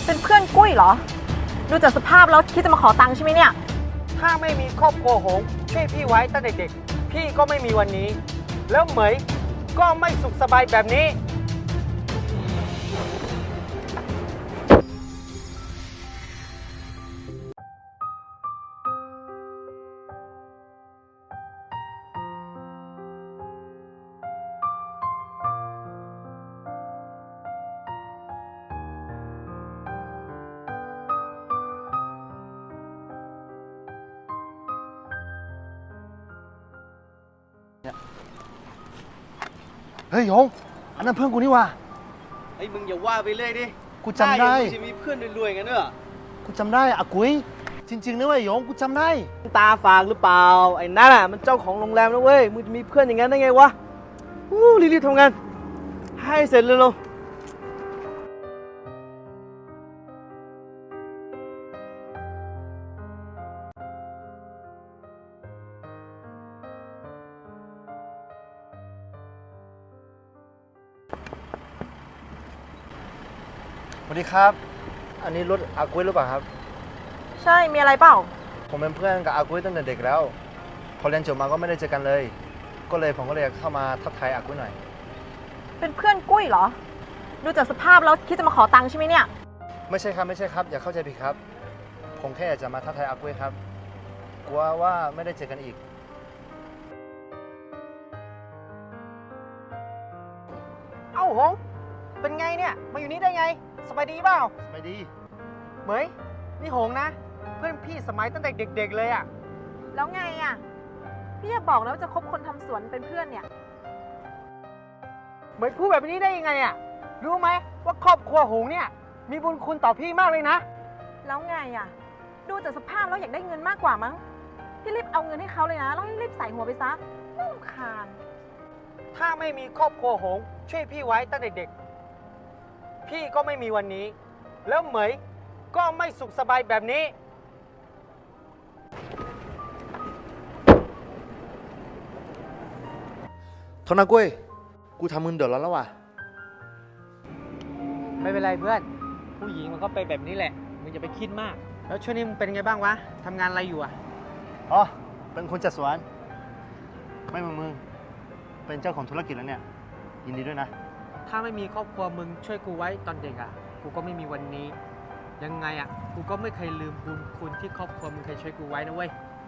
เป็นเพื่อนกุ้ยเหรอดูจากสภาพแล้วคิดจะมาขอตังค์ใช่ไหมเนี่ยถ้าไม่มีครอบครัวหงช่วยพี่ไว้ตั้งแต่เด็กพี่ก็ไม่มีวันนี้ แล้วเหมยก็ไม่สุขสบายแบบนี้เฮ้ยหยงอันนั้นเพื่อนกูนี่ว่ะไอ้มึงอย่าว่าไปเรื่อยดิกูจำได้มึงจะมีเพื่อนรวยๆกันเนอะกูจำได้อากุยจริงๆนะเว้ยหยงกูจำได้ตาฝากหรือเปล่าไอ้นั่นอ่ะมันเจ้าของโรงแรมนะเว้ยมึงจะมีเพื่อนอย่างนั้นได้ไงวะรีบๆทำงานให้เสร็จเลยเร็วสวัสดีครับอันนี้รถอากุยหรือเปล่าครับใช่มีอะไรเปล่าผมเป็นเพื่อนกับอากุยตั้งแต่เด็กแล้วพอเรียนจบมาก็ไม่ได้เจอกันเลยก็เลยผมก็เลยเข้ามาทักทายอากุยหน่อยเป็นเพื่อนกุ้ยเหรอดูจากสภาพแล้วคิดจะมาขอตังค์ใช่ไหมเนี่ยไม่ใช่ครับอย่าเข้าใจผิดครับผมแค่อยากจะมาทักทายอากุยครับกลัวว่าไม่ได้เจอกันอีกเอ้าหงเป็นไงเนี่ยมาอยู่นี่ได้ไงสบายดีเปล่าไม่ดีเหมยนี่หงนะเพื่อนพี่สมัยตั้งแต่เด็กๆเลยอ่ะแล้วไงอ่ะพี่จะบอกแล้วว่าจะคบคนทำสวนเป็นเพื่อนเนี่ยเหมยพูดแบบนี้ได้ยังไงอ่ะรู้ไหมว่าครอบครัวหงเนี่ยมีบุญคุณต่อพี่มากเลยนะแล้วไงอ่ะดูจากสภาพแล้วอยากได้เงินมากกว่ามั้งพี่รีบเอาเงินให้เขาเลยนะแล้วให้รีบใส่หัวไปซะน่ารำคาญถ้าไม่มีครอบครัวหงช่วยพี่ไว้ตั้งแต่เด็กพี่ก็ไม่มีวันนี้แล้วเหมยก็ไม่สุขสบายแบบนี้โทษนะกุ้ยกูทำมึงเดือดร้อนแล้วว่ะไม่เป็นไรเพื่อนผู้หญิงมันก็เป็นแบบนี้แหละมึงอย่าไปคิดมากแล้วช่วงนี้มึงเป็นไงบ้างวะทำงานอะไรอยู่อ่ะอ๋อเป็นคนจัดสวนไม่เหมือนมึงเป็นเจ้าของธุรกิจแล้วเนี่ยยินดีด้วยนะถ้าไม่มีครอบครัวมึงช่วยกูไว้ตอนเด็กอ่ะกูก็ไม่มีวันนี้ยังไงอ่ะกูก็ไม่เคยลืมบุญคุณที่ครอบครัวมึงเคยช่วยกูไว้นะเว้ย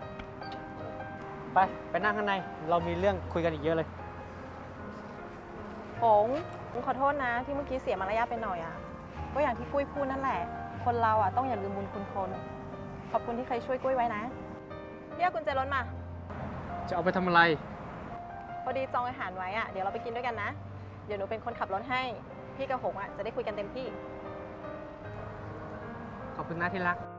ไปนั่งข้างในเรามีเรื่องคุยกันอีกเยอะเลยผมขอโทษนะที่เมื่อกี้เสียมารยาทไปหน่อยอ่ะก็อย่างที่กุ้ยพูดนั่นแหละคนเราอ่ะต้องอย่าลืมบุญคุณคนขอบคุณที่เคยช่วยกุ้ยไว้นะเรียกกุญแจรถมาจะเอาไปทำอะไรพอดีจองอาหารไว้อ่ะเดี๋ยวเราไปกินด้วยกันนะเดี๋ยวหนูเป็นคนขับรถให้พี่กับหงอ่ะจะได้คุยกันเต็มที่ขอบคุณนะที่รัก